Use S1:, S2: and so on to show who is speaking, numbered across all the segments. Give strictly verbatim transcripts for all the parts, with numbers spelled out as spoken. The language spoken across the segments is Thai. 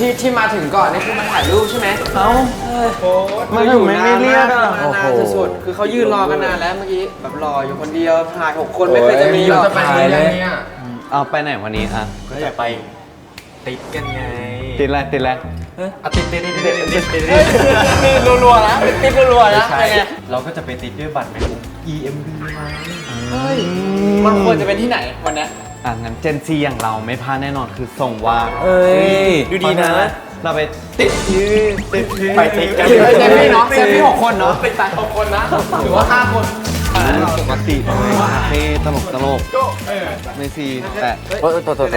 S1: ที่ที่มาถึงก่อนนี่คือมาถ่ายรูปใช่ไหมเอ้า
S2: มาถึงไม่ไม่เรียกอ่ะ
S1: นานสุดๆคือเขายืนรอกันนานแล้วเมื่อกี้แบบรออยู่คนเดียวถ่ายหกคนไม่เคยจะมีหรอกถ่ายเลย
S2: เอาไปไหนวันนี้อ่ะ
S3: ก็จะไปติดกันไง
S2: ติดอะไรติดอะไร
S3: อ่ะติดติดติดติดติดติด
S1: รัวๆนะติดรัวๆนะยังไง
S3: เราก็จะไปติดด้วยบัตรแมงมุม อี เอ็ม บี ไง
S1: เฮ้ยมันควรจะเป็นที่ไหนวันนี้
S2: อ่ะงั้นเจนซีอย่างเราไม่พลาดแน่นอนคือส่งว่า
S1: เอ้ยดูดีนะ
S2: เราไปติดยืดติด
S3: ไปติดกัน
S1: เซฟพี่เนาะเซฟพี่หกคนเนาะเป็นสายหกคนนะหรือว่าห้าคน
S2: ปกติคาเฟ่ตลกตลกไม่ซีแต่
S3: โอ้ยตัวตัวตัว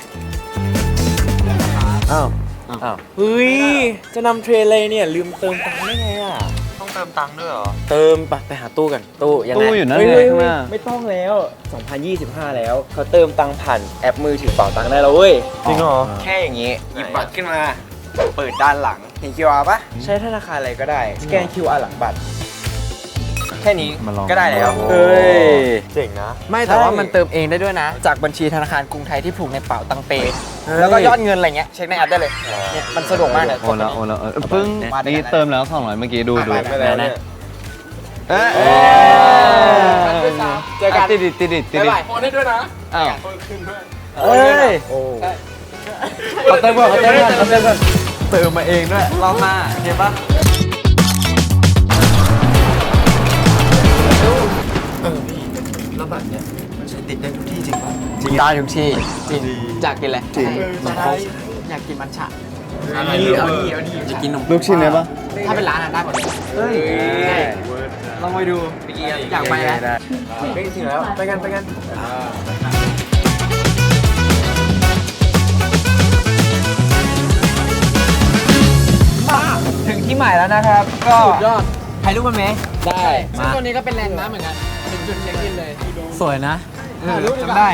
S3: อ้าวอ้าว
S1: เฮ้ยจะนำเทรนเลยเนี่ยลืมเติมตังค์ได้ไงอ่ะ
S3: ต้องเติมตังค์ด้วยเหรอ
S1: เติมไปไปหาตู้กันตู้ยังไง
S2: ตู้อยู่นั่นเลยข้างหน้า
S1: ไม่ต้องแล้วสองพันยี่สิบห้าแล้วเขาเติมตังค์ผ่านแอปมือถือเป๋าตังค์ได้แล้วเว้ย
S3: จริงเหรอ
S1: แค่อย่างงี้หยิบบัตรขึ้นมาเปิดด้านหลังเห็น คิว อาร์ ปะใช้ธนาคารอะไรก็ได้สแกน คิว อาร์ หลังบัตรแค่นี้ก็ได้แล้ว
S3: เฮ้ยเจ๋งนะ
S1: ไม่แต่ว่ามันเติมเองได้ด้วยนะจากบัญชีธนาคารกรุงไทยที่ผูกในเป๋าตังเปแล้วก็ยอดเงินอะไรเงี้ยเช็คในแอปได้เลยเนี่ยมันสะดวกมากเลย
S2: โอนแล้วโอนแล้วเพิ่งนี่เติมแล้วสองร้อยเมื่อกี้ดูดู
S1: นะเออเจอกัน
S2: ติดติดติดติดติด
S1: โอนได้ด้วยนะ
S2: อ้าว
S1: เอ้ยเขาเติมก่อนเขาเติมก่อนเขาเติมก่อน
S2: เติมมาเองด้วย
S1: รอบหน้าเห็นปะ
S3: เออพี่แล้วบัตรเนี่ยมันใช้ติดได้ทุกที่จริงป่ะ
S1: จริงได้ทุกที่จริงอยากกินอะไรจริงอยากกินมัทฉะ
S3: เอาดีเอาดีเอาดี
S1: อยากกินนม
S2: ลูกชิ้นได้ปะ
S1: ถ้าเป็นร้านอ่ะได้หมดเลยเฮ้ยลองไปดูอยากไปแล้ว
S3: ไปถึงแล้วไปกันไปกัน
S1: ถึงที่หมายแล้วนะครับก็ยอดถ่ายรูปกันไหมได้ซึ่งตัวนี้ก็เป็นแลนด์มาร์คเหมือนกันถึงจุดเช็คอินเลยสวยนะถ่ายรูปจำได้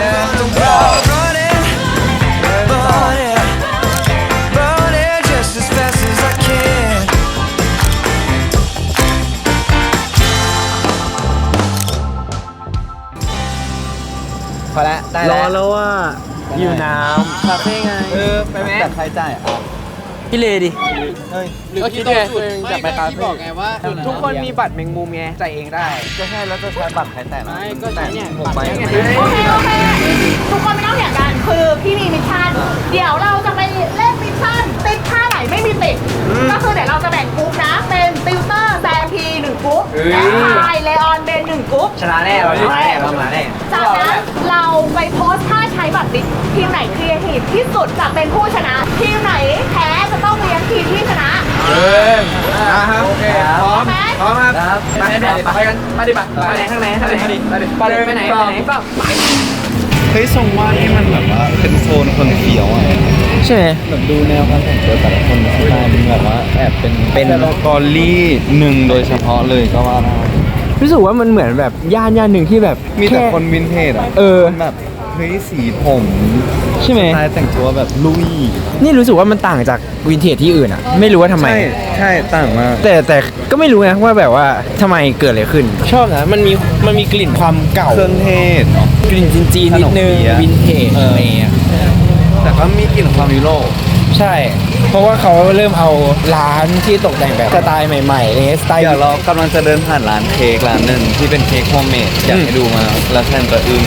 S1: พอแล้วได้แล้ว
S2: รอแล้วว่า
S1: อยู่น้ำคาเฟ่ไงเออไปไหม
S2: แต่ใครจ่ายอ่ะ
S1: พี่เลดิ
S2: เฮ้ย
S1: ก็คิดไงจะไปคาเฟ่บอกไงว่าทุกคนมีบัตรแมงมุมไงจ่ายเองได้
S2: ก็ใช่แล้วจะใช้บัตรใครแต่ละ
S1: ไม่ก็ใช้เนี่ยหกใบ
S4: โอเคโอเคทุกคนไม่ต้องเถียงกันคือพี่มีมิชชั่นเดี๋ยวเราจะไปเล่นมิชชั่นติดท่าไหนไม่มีติดก็คือเดี๋ยวเราจะแบ่งกรุ๊ปนะเป็นติวเตอร์แซมพีหนึ่งกรุ๊ปและไทยเลออนเบนหนึ่งกรุ๊ป
S1: ชนะแน่เราชนะแน่เราชนะแน่
S4: จากนั้นเราไปโพสท่าใช้บัตรติดทีมไหนครีเอทีฟที่สุดจะเป็นผู้ชนะทีมไหนแพ้จะต้องเลี้ยงทีมที่ชนะ
S1: เออนะครับโอเคพร้อมพร้อมครับไปไหนไปกันไปดิบัตรไปไหนข้างไหนข้างไหนไปดิไปดิไปไหนไปไหนก็ไป
S2: เฮ้ยทรงว่านี่มันแบบว่าเป็นโซนคนเขียวอ่ะ
S1: ใช่ไหม
S2: แบบดูแนวการแต่งตัวแต่ละคนสไตล์มันแบบว่าแอบเป็นเป็นกอลลี่หนึ่งโดยเฉพาะเลยก็ว่าได้
S1: รู้สึกว่ามันเหมือนแบบย่านย่านหนึ่งที่แบบ
S2: มีแต่คนวินเทจอ่ะ
S1: เออ
S2: แบบเฮ้ยสีผม
S1: ใช่ไหม
S2: สไตล์แต่งตัวแบบลุย
S1: นี่รู้สึกว่ามันต่างจากวินเทจที่อื่นอ่ะไม่รู้ว่าทำไม
S2: ใช่ใช่ต่างมาก
S1: แต่แต่ก็ไม่รู้นะว่าแบบว่าทำไมเกิดอะไรขึ้นชอบนะมันมีมันมีกลิ่นความเก่า
S2: เครื่องเทศ
S1: กลิ่นจีนๆนิดนึงวินเทจอะไรเงี้ย
S2: แต่ก็มีกลิ่นความยุโรป
S1: ใช่เพราะว่าเขาเริ่มเอาร้านที่ตกแต่งแบบสไตล์ใหม่ๆเลยสไตล์
S2: เดี๋ยวเรากำลังจะเดินผ่านร้านเค้กร้านหนึ่งที่เป็นเค้กโฮมเมดอยากให้ดูมาแล้วแทนตัวอึ้ง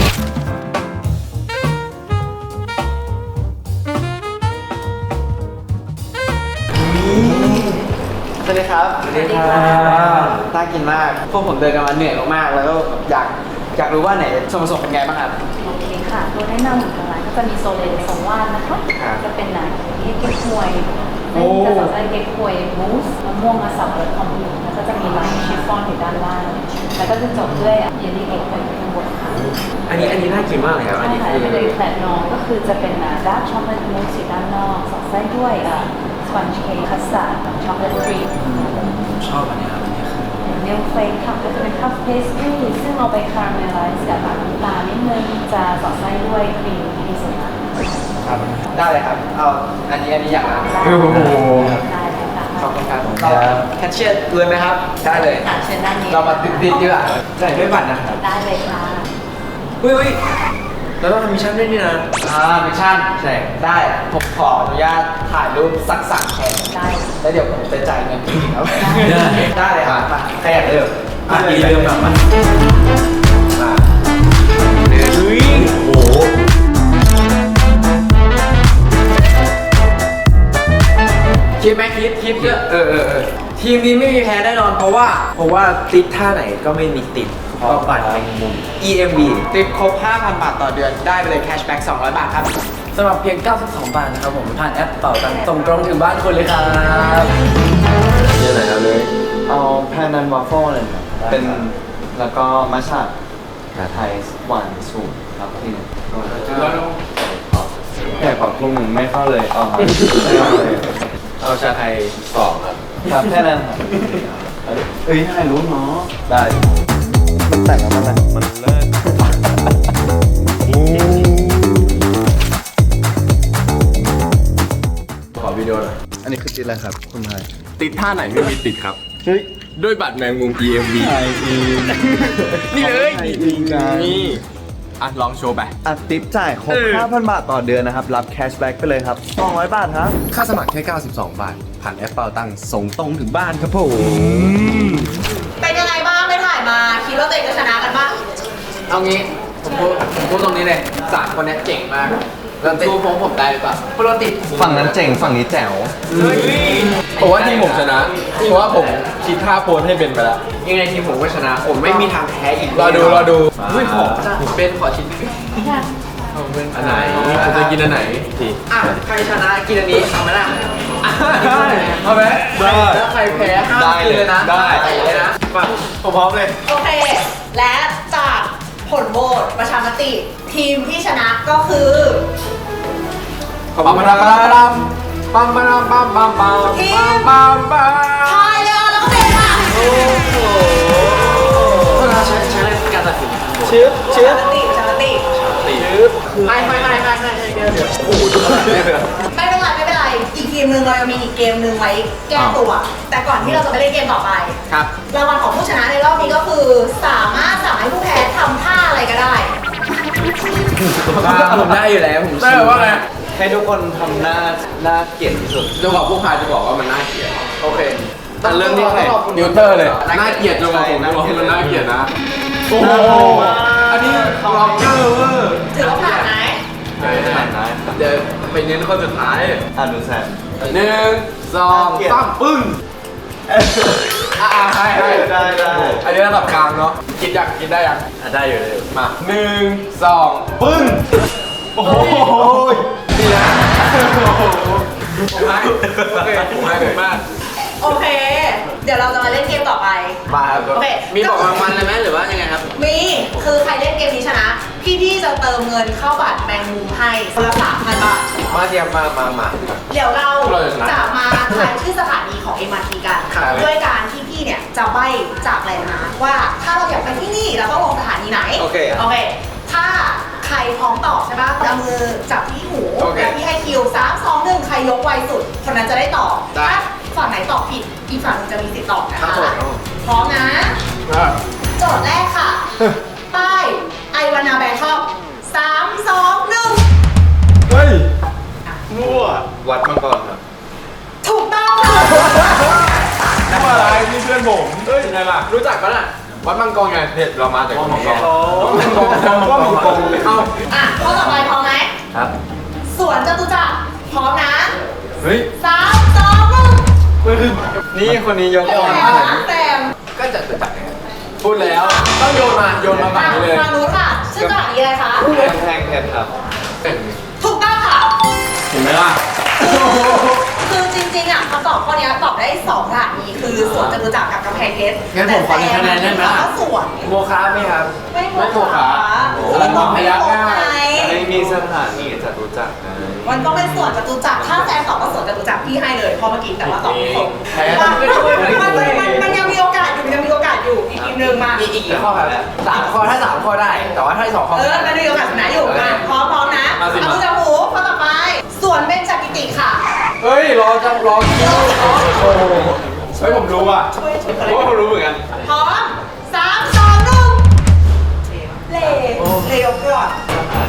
S1: สวัสดีครับสวัสดีครับน่ากินมากพวกผมเดินกันมาเหนื่อยมากๆแล้วก็อยากอยากรู้ว่าไหนส่วนผสมเป็นไงบ้างครับ
S4: โอเคค่ะตัวแนะนำของทางร้านก็จะมีโซเลนสองว่านนะคะจะเป็นหนังที่เก๊กฮวยจะสับไส้เก๊กฮวยมูสมะม่วงมาสับรสคอมพิวแล้วก็จะมีลายชิฟฟ่อนอยู่ด้านล่างแล้วก็จะจบด้วยเยลลี่เอ็กซ์ข้างบนค่ะ
S1: อันนี้อันนี้น่ากินมากเลยครับอันนี้คือ
S4: เลยแต่น้องก็คือจะเป็นดาร์กช็อกโกแลตมูสอยู่ด้านนอกสอดไส้ด้วยสปันช์เค้กคัสตาร์ดช็อกโกแลตครีม
S1: ชอบอันนี้ครับอันนี้คือ
S4: เนลเฟกค่ะก็จะเป็นคัพเพสตรีซึ่งเราไปคาราเมลไลซ์กับน้ำตาลนิดนึงจะสอดไส้ด้วยครีมที่สุด
S1: ครับได้เลยครับเอาอันนี้อันนี้อยากรับ
S4: โอ้โหได้
S1: เลยค่ะขอบคุณครับเราแคชเชียร์เลยไหมครับได้เลย
S4: เชิญด้านนี้
S1: เรามาติดติดดีกว่าจ่ายด้วยบัตรนะครับ
S4: ได้เลยค่ะ
S1: อุ้ยอุ้ย
S3: แล้วต้องทำมิชชั่นด้วยนี่นะ
S1: อ่ามิชชั่นใช่ได้ผมขออนุญาตถ่ายรูปสักสามแชร์
S4: ได้
S1: แล้วเดี๋ยวผมจะจ่ายเงินทีครับ
S3: ได้
S1: ได้เลยครับมาใครอยากเริ่ม
S3: อ่ะอีเริ่มแบบมัน
S1: มาเฮ้ย
S3: โอ้โห
S1: คิดไหมคิดคิดเยอะเออเออเออทีมนี้ไม่มีแพ้แน่นอนเพราะว่าเพราะว่าติดท่าไหนก็ไม่มีติดเพราะบัตรแมงมุม อี เอ็ม บี ติดครบ ห้าพัน บาทต่อเดือนได้ไปเลยแคชแบ็กสองร้อยบาทครับ
S3: สำหรับเพียงเก้าสิบสองบาทนะครับผมผ่านแอปเป่าตังค์ส่งตรงถึงบ้านคุณเลยครับเยอะไหนครับเลย
S2: เอาแพนนันวาฟเฟิลเลยครับเป็นแล้วก็มัชชะไทยหวานสูตรครับที่หนึ่งแค่ขอบคุณไม่เข้าเลยอ๋อครับไม่เข้าเลย
S3: เอาชาไทยสองครับ
S2: ครับแค่นั้นครับเอ้ยถ่ายรูปเนาะได้มันแต่งแล้วมันอะไรมันเลิศ
S3: ขอวิดีโอหน่อย
S2: อันนี้คือติดอะไรครับคุณไทย
S3: ติดท่าไหนไม่มีติดครับ
S2: เฮ้ย
S3: ด้วยบัตรแมงมุม อี เอ็ม บี
S2: ไทยเอง
S3: นี่เลย
S2: ไทยเองกัน
S3: นี่อ่ะลองโชว์ไป
S2: อัดติปจ่ายครบ
S3: เออ
S2: ห้าพัน บาทต่อเดือนนะครับ รับแคชแบ็กไปเลยครับสองร้อยบาทครับ
S3: ค่าสมัครแค่เก้าสิบสองบาท ผ่านแอปเป่าตังค์ส่งตรงถึงบ้านครับผม
S4: เป็นยังไงบ้างไม่ถ่ายมาคิดว่าตัวเองจะชนะกันบ้าง
S1: เอางี้ผมพูดผมพูดตรงนี้เลยสามคนนี้เก่งมากแล้วสู้ผมผมได้หรือเปล่าพวกเราติด
S2: ฝั่งนั้นเจ๋ง ฝั่งนี้แจ๋ว
S3: ผมว่าทีมผมชนะเพราะว่าผมคิดท่าโพสให้เป็นไปแล้ว
S1: ยังไงทีมผมก็ชนะ ผมไม่มีทางแพ้อีก
S3: รอดูรอดู
S1: อุ้ยขอจ้ะเป็นขอชิ้น
S3: อันไหนคุณจะกินอันไหนที
S1: อ่ะใครชนะกินอันนี้เอาไหมล่ะอ่ะ
S3: เอาไหมได้
S1: แล้วใครแพ้ห้าม
S3: ได้
S1: กินเลยนะ
S3: ได้
S1: ใส่เลยนะมาผมพร้อมเลย
S4: โอเค และจากผลโหวตประชามติ ทีมที่ชนะก็คือ
S3: ปั๊มปั๊มปั๊มปั๊มปั๊มปั๊มปั๊มปั๊มปั๊ม
S4: ทีม
S3: ปั๊มปั๊ม
S4: ทายเลออนแล้วก็เบนค่ะ
S1: ใช้ใช้การตัดสิน
S2: ชื่อ
S4: ประ
S2: ชื่อ
S4: ชามติประชามติ
S1: ไม่ไม่ไม่ไม่ไม่เดี๋ยวเดี๋ยวโอ้โหดูขนาดนี้เลย
S4: ไม่เป็นไรไม่เป็นไร อีกทีมหนึ่งเรายังมีอีกเกมหนึ่งไว้แก้ตัว แต่ก่อนที่เราจะไปเล่นเกมต่อไป
S1: ครับ
S4: รางวัลของผู้ชนะในรอบนี้ก็คือ สามารถสั่งให้ผู้แพ้ทำท่าอะไรก็ได้
S1: ผมได้อยู่แล้วผม
S3: ได้ว่าไง
S2: ให้ทุกคนทำหน้าหน้าเกลียดที่สุด
S3: จังหวะผู้พายจะบอกว่ามันน่าเกลียด
S1: โอเค
S2: แต่เริ่มที่ใคร
S3: นิวเตอร์เลยน่าเกลียดจังหวะผมจะบอกว่ามันน่าเกลียดนะโอ้โหอันนี้ล็อกเกอร์เวอร์
S4: ถือว่าผ่านไหม
S3: เดี๋ยวไปเน้นคนสุดท้าย
S2: อ่านดูแซม
S3: หนึ่งสองสามปึ้งอ่าให้ให้
S2: ได้ได้
S3: อันนี้ระดับกลางเนาะคิดยังคิดได้ยัง
S2: อ่ะได้อยู่เลย
S3: มาหนึ่งสองปึ้งโอ้โหนี่นะโอ้โหผมให้โอเคผมให้เลยมาก
S4: โอเค เดี๋ยวเราจะมาเล่นเกมต่อไป
S1: มาครับ
S4: โอเค
S1: มีบอกรางวัลเลยไหมหรือว่ายังไงครับ
S4: มี คือใครเล่นเกมนี้ชนะ พี่ๆจะเติมเงินเข้าบัตรแมงมุมให้คนละสามพันบาท
S1: มาเตรียมมามามา
S4: เดี๋ยวเรา
S3: เราจะชนะ
S4: จะมาทายชื่อสถานีของ เอ็ม อาร์ ที กัน
S1: ครับ
S4: ด้วยการที่พี่เนี่ยจะใบ้จากแหล่งมาว่าถ้าเราอยากไปที่นี่เราต้องลงสถานีไหน
S1: โอเค
S4: โอเค ถ้าใครพร้อมตอบใช่ปะเอามือจับที่หู
S1: โอเค
S4: แล้วพี่ให้คิวสามสองหนึ่งใครยกไวสุด คนนั้นจะได้ตอบ
S1: ได้
S4: ถ้าฝั่งไหนตอบผิด อีกฝั่งหนึงจะมีสิทธิ์ตอบนะ
S1: ครั
S4: คะ
S1: บผม
S4: พร้อมนะ
S3: อ่ะ
S4: โจทย์แรกค่ะ ป้ายไอวานาแบงคอกสามสองหนึ่ง
S3: เฮ้ย
S2: มั่ววัดมังกรครับ
S4: ถูกต้องค่ะ
S3: ทำอะไรนี่เพื่อนผมเฮ้ยไงล่ะ
S1: รู้จักปะน่ะ
S3: วัดมังกรไงเผ็ดเรามาจากวัดมังกร
S2: วัดมังกร
S3: วัดมังกรเข้า
S4: อ่ะข้อต่อไปพร้อมไหม
S2: ครับ
S4: สวนจตุจักรพร้อมนะ
S3: เฮ้ย
S4: สามสองหนึ่ง
S2: นี่คนนี้ยก
S4: แซ
S2: ก่อน
S4: มแซม
S1: ก็จะรู้จักไง
S3: พูดแล้วต้องโยนมาโยนมาฝั่ง
S4: อ่ะ
S3: นี้เลย
S4: มารู้ค่ะ ชื่อสถานีอะไรคะ
S2: กำแพงเพชรครับ
S4: ถูกต้องค่ะ
S3: เห็นไหมล่ะ
S4: คือจริงๆอ่ะคำตอบข้อนี้ตอบได้สองสถานีคือสวนจตุจักรกับกำแพงเพชร
S1: งั้นผมขอหนึ่งคะแนนได้ไหมล่ะ
S4: ก็สวน
S1: โมคาไหมครับ
S4: ไม่
S3: ไม่โมคะ
S4: แล้วตอบไม่ถูกไง
S2: ไม่มีสถานีจะรู้จักไง
S4: มันก็เป็นสวนจตุจักรถ้าแซมตอบว่าสวนจตุจักรพี่ให้เลยเพราะเมื่อกี้แต่ว่าตอบไม่ถูก
S3: แพ้
S4: มันมันมันมันมันยังมีโอกาสอยู่ยังมีโอกาสอยู่อีกทีมหนึ่งมา
S1: อีกอีกกี่ข้อครับสามข้อถ้าสามข้อได้ แต่ว่าถ้าสองข้อ
S4: เออมันมีโอกาสชนะอยู่มาพร้อมพร้อมนะเอามือจับหูข้อต่อไปสวนเบญจกิติค่ะ
S3: เฮ้ยรอจังรอคิวโอ้โหเฮ้ยผมรู้อ่ะ
S4: ช่วยช่วยกัน
S3: โอ้ผมรู้เหมือนกัน
S4: พร้อมสามสองหนึ่งเล่เล่ยกก่อน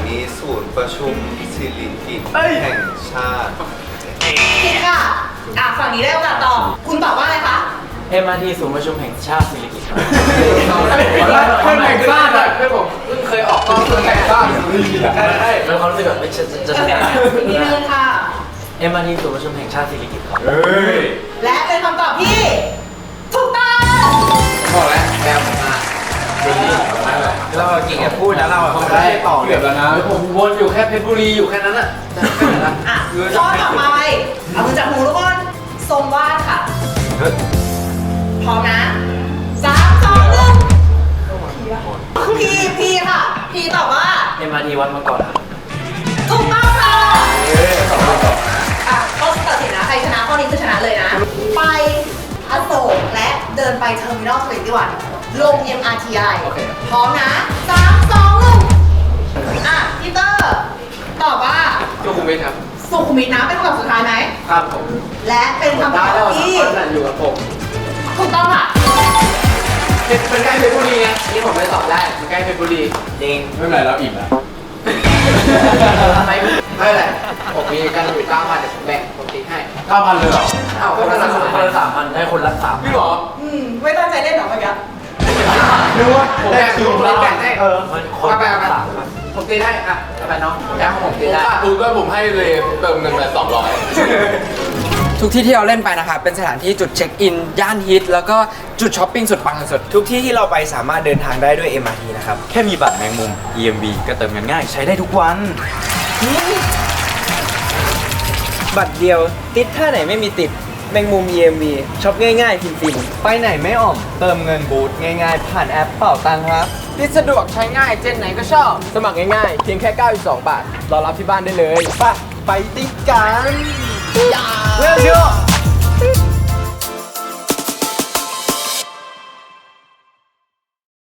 S2: นีศูนย์ประชุมสิริกิติ์แห่งชาติ
S5: ผิดค่ะอ่ะฝั่งนี้ได้โอกาสตอบคุณตอบว่าอะไรคะ
S1: เอ็ม อาร์ ที ศูนย์ประชุมแห่งชาติสิริกิติ์
S3: เพื่อนแห่งชาติอะเพื่อนผมเพิ่งเคยออกกล้องเพื่อนแห่งชาติได้ได้
S1: แล้วความรู้สึกแบบไม่จะจะชนะ
S5: อีกนิดนึงค่ะ
S1: เอ็ม อาร์ ที ศูนย์ประชุมแห่งชาติสิริกิติ์ครับ
S3: เฮ้ย
S5: และเป็นคำตอบที่ถูกต้อง
S3: บอกแล้วแมวผมมาดีนั่นแหละ
S1: เราเก่งแค่พูดนะเรา
S3: เขาได้ต่อเกือบแล้วนะ
S1: ผมวนอยู่แค่เพชรบุรีอยู่แค่นั้นอ่ะ
S5: อ่ะข้อต่อไปเอามือจับหูทุกคนทรงวาดค่ะพร้อมนะสามสองหนึ่งพีพีค่ะ พีตอบว่า
S1: เอ็ม อาร์ ที วัดมาก่อนครับ
S5: ถูกต้องค่ะอ่ะข้อตัดสินนะ ใครชนะข้อนี้คือชนะเลยนะ ไปอโศกและเดินไปเทอร์มินอลทเวนตี้วันลง เอ็ม อาร์ ที ไอ พร้อมนะสามสองหนึ่งอ่ะพีเตอร์ตอบว่า
S3: จุกุมิตครับ
S5: สุขุมวิทนะเป็นคำตอบสุดท้ายไหม
S3: ครับผม
S5: และเป็นคำต
S3: ได้
S5: อบ
S3: แล้ว
S5: ที่
S3: สามคนอยู่กับผม
S5: ถูกต้องค่ะ
S3: เป็นใกล้เพชรบุรีไงนี่ผมไม่ตอบได้มันใกล้เพชรบุรี
S1: จริง
S3: ไม่เป็นไรเราอิ่มแล้วไม่ไม่เป็นไรผมมีกันอยู่เก้าพันเดี๋ยวผมแบ่งผมติ๊กให้เก้าพันเลยเหรออ้าว
S1: ค
S3: คน
S1: น
S3: ละ
S1: ละ
S3: สาม
S1: คนละสามพันได้คนละสาม
S3: พี่หรอ
S5: อืมไม่ตั้งใจเล่นหรอเมื่อกี้
S3: นึกว่าผมแบ่งคือผมแบ่งให้เออ
S1: มันค
S3: คน
S1: น
S3: ละแบ่ง
S1: ละ
S3: กัน
S1: สามพัน
S3: ผมตีให้อ่ะเอาไปน้องแบ่งของผมตี
S6: ผม
S3: ได้
S6: ขาดทุนก็ผมให้เลยเติมเงินไปสองร้อย
S1: ทุกที่ที่เราเล่นไปนะครับเป็นสถานที่จุดเช็คอินย่านฮิตแล้วก็จุดช้อปปิ้งสุดปังสุด
S7: ทุกที่ที่เราไปสามารถเดินทางได้ด้วย เอ็ม อาร์ ที นะครับ แค่มีบัตรแมงมุม อี เอ็ม บี ก็เติมเงินง่ายใช้ได้ทุกวัน บัตรเดียวติดท่าไหนไม่มีติดแมงมุม อี เอ็ม บี ช็อปง่ายๆ ฟินๆ ไปไหนไม่อ่อม เติมเงินบูธง่ายๆ ผ่านแอปเป่าตังค์ครับ
S3: ที่สะดวกใช้ง่ายเจนไหนก็ชอบ สมัครง่ายๆ เพียงแค่เก้าสิบสองบาทรอรับที่บ้านได้เลย
S7: ไปไปติดกันเร็วเชียว